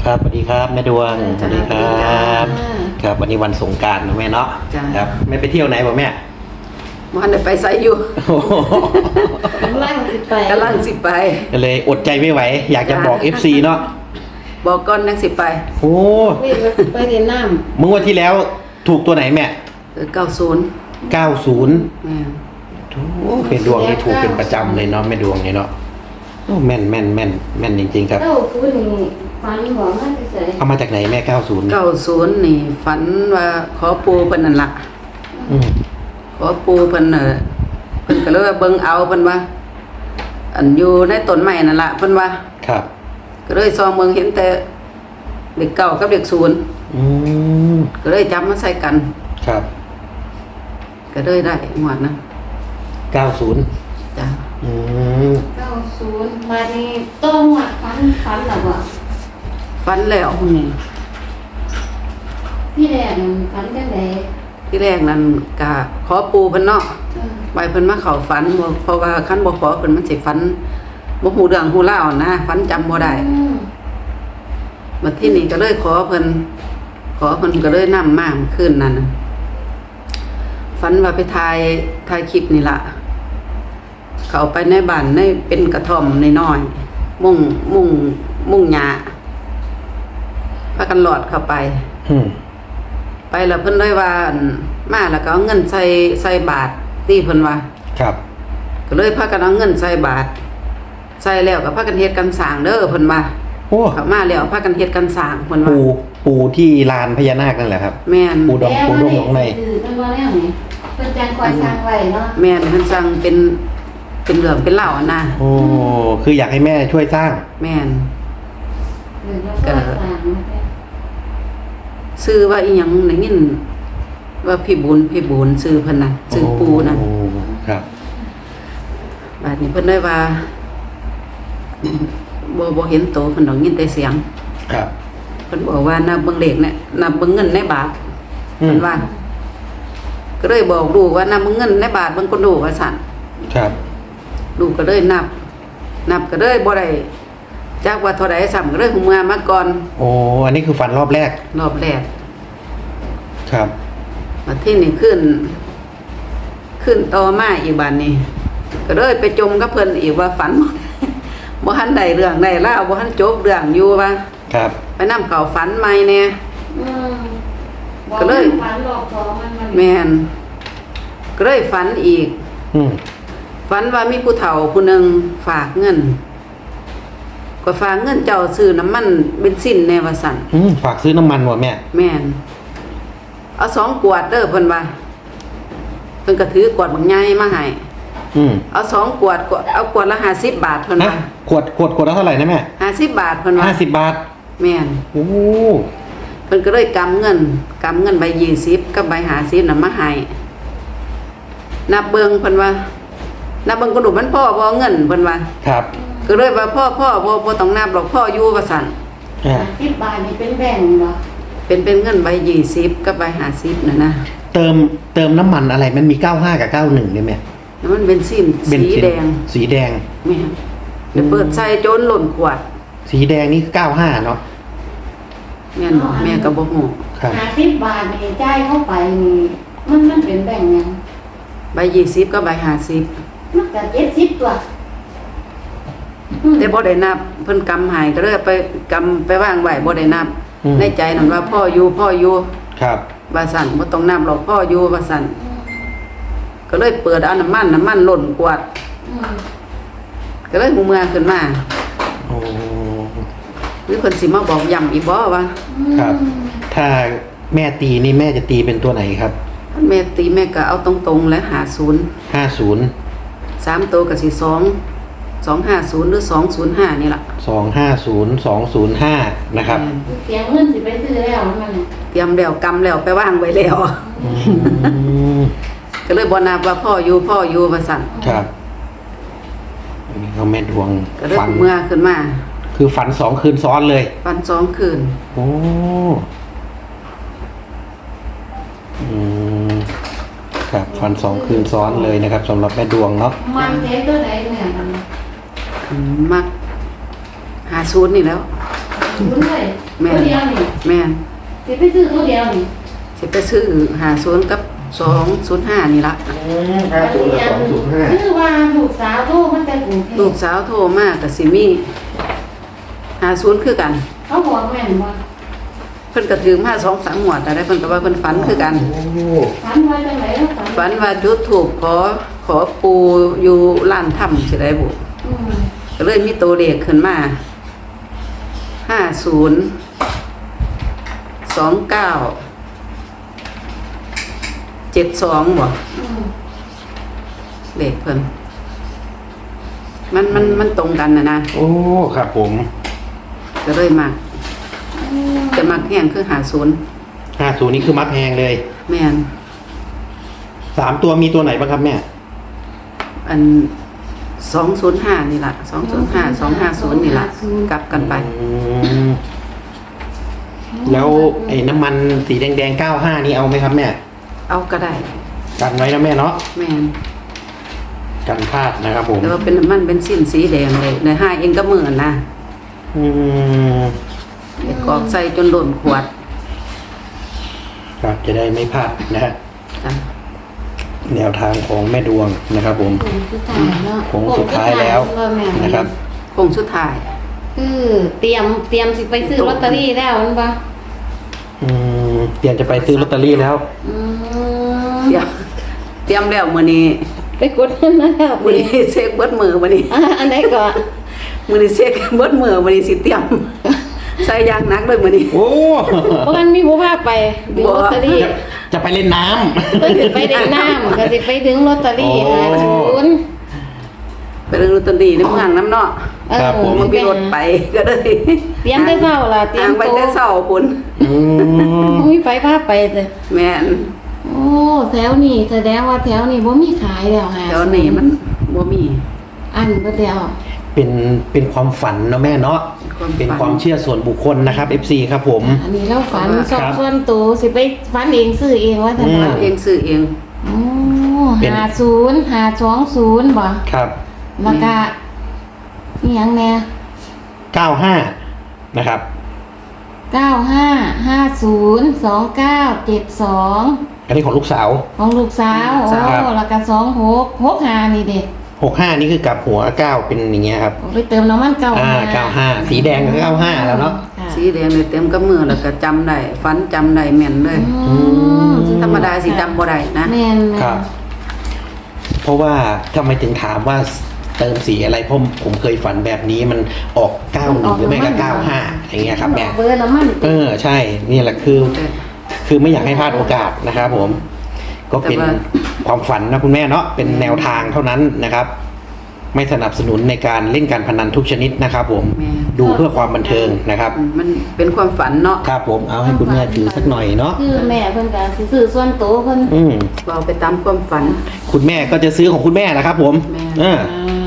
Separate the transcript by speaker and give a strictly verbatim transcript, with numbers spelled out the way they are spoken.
Speaker 1: ครับสวัสดีครับแม่ดวงสวัสดีครับครับวันนี้วันสงกรานต์นะแม่เนาะครับไม่ไปเที่ยวไหนบ่แม่
Speaker 2: มันไปไสอยู่
Speaker 3: กำลังสิไป
Speaker 2: กำลังสิไป
Speaker 1: ก็เลยอดใจไม่ไหวอยากจะบอก เอฟ ซี เนาะ
Speaker 2: บอกก่อนนังสิไป
Speaker 1: โอ้
Speaker 3: ไปเรียนน้ำ
Speaker 1: เมื่อวันที่แล้วถูกตัวไหนแม่
Speaker 2: เก้าศูนย์
Speaker 1: เก้าศูนย์โอ้เป็นดวงที่ถูกเป็นประจำเลยเนาะแม่ดวงเนี่ยเนาะโอ้แม่นแม่นแม่นแม่นจริงๆครับ
Speaker 3: เก้าศูนย์นี่ฝันหัวมันเฉย
Speaker 1: เอามาจากไหนแม่เก้าศูนย์
Speaker 2: เก้าศูนย์นี่ฝันว่าขอปูเพิ่นนั่นล่ะขอปูเพิ่นเน่ะเพิ่นก็เลยว่าเบิ่งเอาเพิ่นว่าอันอยู่ในต้นไม้นั่นล่ะเพิ่นว่า
Speaker 1: ครับ
Speaker 2: ก็เลยซองเบิ่งเห็นแต่เด็กเก้ากับเด็กศูนย์
Speaker 1: อืม
Speaker 2: ก็เลยจับมาใส่กัน
Speaker 1: ครับ
Speaker 2: ก็เลยได้งวดนะ
Speaker 1: เก้าศูนย์
Speaker 2: จ้ะ
Speaker 1: อืม
Speaker 3: เก้าศูนย์มานี่ต้องหวัดฝันฝันหรอวะ
Speaker 2: ฝันแล้วนี่
Speaker 3: พี่แรกฝันจังได๋
Speaker 2: ที่แรกนั้นก็ขอปูเพิ่นเนาะไปเพิ่นมาเข้าฝันเพราะว่าคันบ่ขอเพิ่นมันสิฝันบ่ฮู้เรื่องฮู้ราวนะฝันจำบ่ได้บัดที่นี่ก็เลยขอเพิ่นขอเพิ่นก็เลยนำมาคืนนั้นฝันว่าไปถ่ายถ่ายคลิปนี่ล่ะเข้าไปในบ้านในเป็นกระท่อมน้อยๆมุ้งมุ้งมุ้งหญ้าพากันหลอดเข้าไป
Speaker 1: อืม
Speaker 2: ไปแล้วเพิ่นเลยว่ามาแล้วก็เอาเงินใส่ใส่บาทที่เพิ่นว่า
Speaker 1: ครับ
Speaker 2: ก็เลยพากันเอาเงินใส่บาทใส่แล้วก็พากันเฮ็ดกันสร้างเด้อเพิ่นว่า
Speaker 1: โอ้
Speaker 2: เข้ามาแล้วพากันเฮ็ดกันสร้างเพิ่นว่า
Speaker 1: ปู่ปู่ที่ลานพญานาคนั่นแหละครับ
Speaker 2: แม่น
Speaker 1: ปู่ดงปู่ดงของใน
Speaker 3: คือเพิ่นว่าแนวนี้เพิ่นจังคอยสร้างไว้เนาะ
Speaker 2: แม่นเพิ่นสร้างเป็นเป็นเรื่องเป็นราวอ่ะนะ
Speaker 1: โอ้คืออยากให้แม่ช่วยสร้าง
Speaker 2: แม่น
Speaker 3: เออแล้วก็สร้าง
Speaker 2: ชื่อว่าอีหยังได้ยินว่าพี่บุญพี่บุญชื่อเพิ่นน่ะชื่อปู่น่ะ
Speaker 1: โอ้ครับ
Speaker 2: บัดนี้เพิ่นได้ว่าบ่บ่เห็นโตเพิ่นดอกยินแต่เสียง
Speaker 1: ครับ
Speaker 2: เพิ่นบอกว่านับเบิ่งเลขเนี่ยนับเบิ่งเงินในบาทเพิ่นว่าก็เลยบอกลูกว่านับเบิ่งเงินในบาทเบิ่งคนดูว่าซั่น
Speaker 1: ครับ
Speaker 2: ลูกก็เลยนับนับก็เลยบ่ได้จักว่าเท่าใดซ้ำก็เลยหูเมื่อมาก่อน
Speaker 1: โอ้อันนี้คือฝันรอบแรก
Speaker 2: รอบแรก
Speaker 1: ครับ
Speaker 2: บัดที่นี่ขึ้นขึ้นต่อมาอีกบัดนี้ก็เลยไปจมกับเพิ่นอีกว่าฝันบ่ทันได้เรื่องได้ราวบ่ทันจบเรื่องอยู่ว่า
Speaker 1: ครับ
Speaker 2: ไปนำเข้าฝันใหม่แน่
Speaker 3: อืม
Speaker 2: ก็เลย
Speaker 3: ฝันหลอกของมันมัน
Speaker 2: แม่นก็เลยฝันอีก
Speaker 1: อืม
Speaker 2: ฝันว่ามีผู้เฒ่าผู้หนึ่งฝากเงินก็ฝากเงินเจ้าซื้อน้ำมันเบนซินแน่ว่าซั่น
Speaker 1: อืมฝากซื้อน้ำมันบ่แม่
Speaker 2: แม่นเอาสองขวดเด้อเพิ่นว่าเพิ่นก็ถือกวดบักใหญ่มาให้
Speaker 1: อืม
Speaker 2: เอาสองขวดเอาขวดละห้าสิบบาทเพิ่นว่า
Speaker 1: ขวดขวดขวดละเท่าไหร่นะแม่
Speaker 2: ห้าสิบบาทเพิ่นว่า
Speaker 1: ห้าสิบบาท
Speaker 2: แม่น
Speaker 1: โอ้
Speaker 2: เพิ่นก็เลยกำเงินกำเงินใบยี่สิบกับใบห้าสิบน่ะมาให้นับเบิ่งเพิ่นว่านับเบิ่งกระดูกมันพ่อบ่เงินเพิ่นว่า
Speaker 1: ครับ
Speaker 2: ก็เลยว่าพ่อพ่อบ่บ่ต้องนับหรอกพ่ออยู่ว่าซั่น
Speaker 3: สิบบาทนี่เป็นแบ่งเหรอ
Speaker 2: เป็นเป็นเงินใบยี่สิบกับใบห้าสิบน่ะนะ
Speaker 1: เติมเติมน้ำมันอะไรมันมีเก้าห้ากับเก้าหนึ่งได้ไหม
Speaker 2: น้ำมันเบนซินสีแดง
Speaker 1: สีแดง
Speaker 2: แม่เดี๋ยวเปิดใส่โจนหล่นขวด
Speaker 1: สีแดงนี่เก้าห้าเนาะ
Speaker 2: แม่นแม่ก็บ่ฮู้
Speaker 1: ครับ
Speaker 3: ห้าสิบบาทนี่จ่ายเข้าไปนี่มันมันเป็นแบ่งยัง
Speaker 2: ใบยี่สิบกับใบห้าสิบ
Speaker 3: มันก็เจ็ดสิบตัว
Speaker 2: แต่บ่ได้นับเพิ่นกำหายก็เลยไปกำไปวางไว้บ่ได้นับในใจนั่นว่าพ่ออยู่พ่ออยู่
Speaker 1: ครับ
Speaker 2: ว่าซั่นบ่ต้องนับหรอกพ่ออยู่ว่าซั่นก็เลยเปิดเอาน้ำมันน้ำมันหล่นกวดก็เลยหูเมื่อขึ้นมา
Speaker 1: โอ้
Speaker 2: หรือเพิ่นสิมาบอกย้ำอีกบ่ว่า
Speaker 1: ครับถ้าแม่ตีนี่แม่จะตีเป็นตัวไหนครับ
Speaker 2: แม่ตีแม่ก็เอาตรงๆแล้วห้าสิบ
Speaker 1: ห้าสิบ
Speaker 2: สามตัวก็สิสอง สองห้าศูนย์หรือสองศูนย์ห้านี่ล่ะ
Speaker 1: สองห้าศูนย์ สองศูนย์ห้านะครับ
Speaker 3: เตรียมเงินสิไปซื้อแล้วมัน
Speaker 2: เตรียมแล้วกำแล้วไปวางไว้แล้วก็เลยบ่นับว่าพ่ออยู่พ่ออยู่ว่าซั่น
Speaker 1: ครับอันนี้เขาแม่ดวง
Speaker 2: ฝันเมื่อขึ้นมา
Speaker 1: คือฝันสองคืนซ้อนเลย
Speaker 2: ฝันสองคืน
Speaker 1: โอ้อืมครับฝันสองคืนซ้อนเลยนะครับสำหรับแม่ดวงเนาะ
Speaker 3: มันเจ๊ตัวไหนเนี่ย
Speaker 2: มักหาศูนย์นี่แล้ว
Speaker 3: ศูนย์เลย
Speaker 2: แม่น
Speaker 3: ตัวเดียวนี่
Speaker 2: แม่น
Speaker 3: สิไปซื้อตัวเดียวนี่
Speaker 2: สิไปซื้อหาศูนย์กับสองศูนย์ห้านี่ละ
Speaker 1: ห้าศูนย์กับสองศูนย์ห้า
Speaker 3: คือว่าลูกสาวโทรมันแต่กรุงเทพ
Speaker 2: ลูกสาวโทรมาก็สิมีหาศูนย์คือกัน
Speaker 3: เขาบอกแม่นว่า
Speaker 2: เพิ่นก็ถือมาสองสามหมวดแต่ได้เพิ่นก็ว่าเพิ่นฝันคือกัน
Speaker 1: โอ้
Speaker 3: ฝันว่าจังไหนแล้วฝัน
Speaker 2: ฝันว่าจุดถูกขอขอปูอยู่ร้านถ้ำสิได้บุ
Speaker 3: อืม
Speaker 2: ก็เลยมีตัวเลขขึ้นมาห้าศูนย์สองเก้าเจ็ดสองบ่
Speaker 3: อืม
Speaker 2: เลขเพิ่นมันมันมันตรงกันนะนะ
Speaker 1: โอ้ครับผม
Speaker 2: ก็เลยมักจะมักแห้งคือหาศูนย์
Speaker 1: ห้าศูนย์นี่คือมัดแพงเลย
Speaker 2: แม่น
Speaker 1: สามตัวมีตัวไหนบ้างครับแม่
Speaker 2: อันสองศูนย์ห้านี่ล่ะสองศูนย์ห้าสองห้าศูนย์นี่ล่ะกลับกันไป
Speaker 1: อืมแล้วไอ้น้ำมันสีแดงๆเก้าห้านี่เอาไหมครับแม่
Speaker 2: เอาก็ได้
Speaker 1: กันไว้นะแม่เนาะ
Speaker 2: แม่น
Speaker 1: กันพลาดนะครับผม
Speaker 2: แต่ว่าเป็นน้ำมันเป็นสิ้นสีแดงเลยในห้าเองก็เหมือนนะ
Speaker 1: อืม
Speaker 2: เด็กกรอกใส่จนหล่นขวด
Speaker 1: ครับจะได้ไม่พลาดนะฮะ
Speaker 2: จ้ะ
Speaker 1: แนวทางของแม่ดวงนะครับผม
Speaker 3: โค้งสุดท้ายเนาะ
Speaker 1: โค้งสุดท้ายแล้ว
Speaker 3: โค้งสุดท้ายแล้วแม่
Speaker 1: นะครับ
Speaker 2: คงสุดท้าย
Speaker 3: คือเตรียมเตรียมสิไปซื้อลอตเตอรี่แล้วมันบ่
Speaker 1: อืมเตรียมจะไปซื้อลอตเตอรี่แล้ว
Speaker 3: อืม
Speaker 2: เตรียมเตรียมแล้วมื้อนี้
Speaker 3: ไปกดเงินมาแล้ว
Speaker 2: มื้อนี้เช็คเบิดมือมื้อนี้
Speaker 3: อ่ะอันไหนก่อน
Speaker 2: มื้อนี้เช็คเบิดมือมื้อนี้สิเตรียม ใส่ยางหนักเลยมื้อนี้
Speaker 1: โอ้
Speaker 3: เพราะงั้นมีผู้พาไปดึงลอตเตอรี่
Speaker 1: จะจะไปเล่นน้ำ
Speaker 3: เพิ่นสิไปเด็กน้ำก็สิไปดึงลอตเตอรี่
Speaker 1: โอ้
Speaker 3: หาศูนย์
Speaker 2: ไปเรื่องลอตเตอรี่ในเมืองน้ำเนาะ
Speaker 3: เออ
Speaker 1: ครับผม
Speaker 2: มันมีรถไปก็เลย
Speaker 3: เตรียมแต่เช้าล่ะเตรีย
Speaker 2: ทาม งไป
Speaker 3: ตัว
Speaker 2: แต่เช้าพุ่น
Speaker 1: อืม
Speaker 3: มีไฟพาไปเด้อ
Speaker 2: แม่น
Speaker 3: โอ้แถวนี้แสดงว่าแถวนี้บ่มีขายแล้วหา
Speaker 2: แถวนี้มันบ่มี
Speaker 3: อันเบิดแล้ว
Speaker 1: เป็นเป็นความฝันเนาะแม่เนาะ
Speaker 2: ความฝัน
Speaker 1: เป็นความเชื่อส่วนบุคคลนะครับ เอฟ ซี ครับผม
Speaker 3: อันนี้เราฝัน
Speaker 2: ครับ
Speaker 3: สอบส่วนตัวสิไปฝันเองซื้อเองว่าซั่น
Speaker 1: อืม
Speaker 3: ว่า
Speaker 2: เองซื้อเอง
Speaker 3: โอ้
Speaker 1: เป็น
Speaker 3: ห้าศูนย์ห้าสองศูนย์บ่
Speaker 1: ครับ
Speaker 3: แล้วก็อีหยังแน่
Speaker 1: เก้าห้านะครับ
Speaker 3: เก้าห้าห้าศูนย์สองเก้าเจ็ดสอง
Speaker 1: อันนี้ของลูกสาว
Speaker 3: ของลูกสาว
Speaker 2: สาว
Speaker 3: โอ้แล้วก็สองหกหกห้านี่เด็ก
Speaker 1: หกห้านี่คือกลับหัวเก้าเป็นอย่างเงี้ยครับ
Speaker 3: ไปเติมน้ำมันเก้า
Speaker 1: อ่าเก้าห้าสีแดงก็เก้าห้าแล้วเนาะ
Speaker 3: ค่ะ
Speaker 2: สีแดงเลยเต็มกับมือแล้วก็จำได้ฝันจำได้แม่นเลย
Speaker 3: อืม
Speaker 2: ธรรมดาสิจำบ่ได้นะ
Speaker 3: แม่นแม่น
Speaker 1: ครับ เพราะว่าทำไมถึงถามว่าเติมสีอะไรเพราะผมเคยฝันแบบนี้มันออกเก้าหนึ่งหรือไม่ก็เก้าห้าอย่างเงี้ยครับแม่
Speaker 3: เบอร์น้ำมัน
Speaker 1: เออใช่นี่แหละคือ คือไม่อยากให้พลาดโอกาสนะครับผม ก็เป็น
Speaker 2: แต่ว่า
Speaker 1: ความฝันนะคุณแม่เนาะเป็นแนวทางเท่านั้นนะครับ ไม่สนับสนุนในการเล่นการพนันทุกชนิดนะครับ ผม
Speaker 2: แม่
Speaker 1: ดูเพื่อความบันเทิงนะครับ
Speaker 2: มันเป็นความฝันเนาะ
Speaker 1: ครับผมเอาให้คุณแม่ถือสักหน่อยเนาะ
Speaker 3: คือแม่เพิ่นก็สิซื้อส่วนตัวเพิ่น
Speaker 1: อืม
Speaker 2: เราไปตามความฝัน
Speaker 1: คุณแม่ก็จะซื้อของคุณแม่นะครับ ผม
Speaker 2: แม่
Speaker 1: เออ
Speaker 3: อ่า